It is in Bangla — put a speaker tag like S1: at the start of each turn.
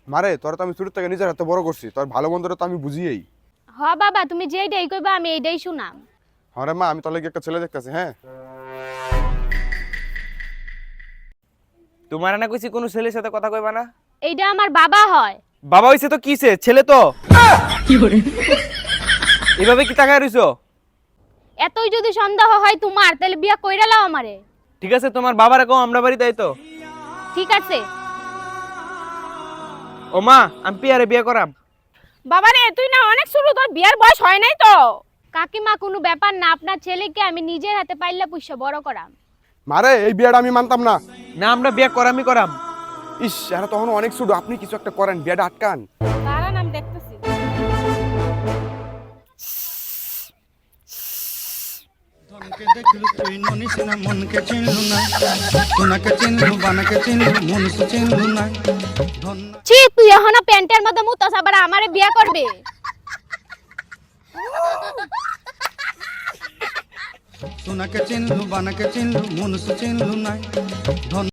S1: মারে তোরা তো আমি ছোট থেকে নিজের হাতে বড় করছি, তোর ভালো মন্দটা তো আমি বুঝিয়েই।
S2: হ বাবা, তুমি যেইটাই কইবা আমি এইটাই শুনাম।
S1: হরে মা, আমি তোর লাগি একটা ছেলে দেখতেছি। হ্যাঁ,
S3: তোমার না কইছি কোন ছেলের সাথে কথা কইবা না।
S2: এইটা আমার বাবা হয়।
S3: বাবা হইছে তো কিছে, ছেলে তো। এভাবে কি তাকায় রইছো?
S2: এতই যদি সন্দেহ হয় তোমার, তাহলে বিয়া কইরা লাও আমারে।
S3: ঠিক আছে, তোমার বাবারে কও আমরা বাড়িতে আইতো।
S2: ঠিক আছে।
S3: ও মা, আমি পিয়ারে বিয়ে করাম।
S2: বাবা রে, তুই না অনেক ছোট, তোর বিয়ার বয়স হয় নাই তো। কাকিমা, কোনো ব্যাপার না, আপনার ছেলেকে আমি নিজের হাতে পাইলা পুষা বড় করাম।
S1: মারে এই বিয়েটা আমি মানতাম না।
S3: না, আমরা বিয়ে করামই করাম।
S1: ইস, এরা তখন অনেক ছোট, আপনি কিছু একটা করেন, বিয়েটা আটকান।
S2: দাঁড়ান, আমি দেখতেছি।
S4: ধনকে দেখলু তুই ননিস না, মনকে চিনলু না, সোনাকে চিনলু, বানাকে চিনলু, মনুষ চিনলু না। ধন
S2: ছি, তুই এখনো প্যান্টের মধ্যে মুতাস, আবার আমারে বিয়া করবে?
S4: সোনাকে চিনলু, বানাকে চিনলু, মনুষ চিনলু না। ধন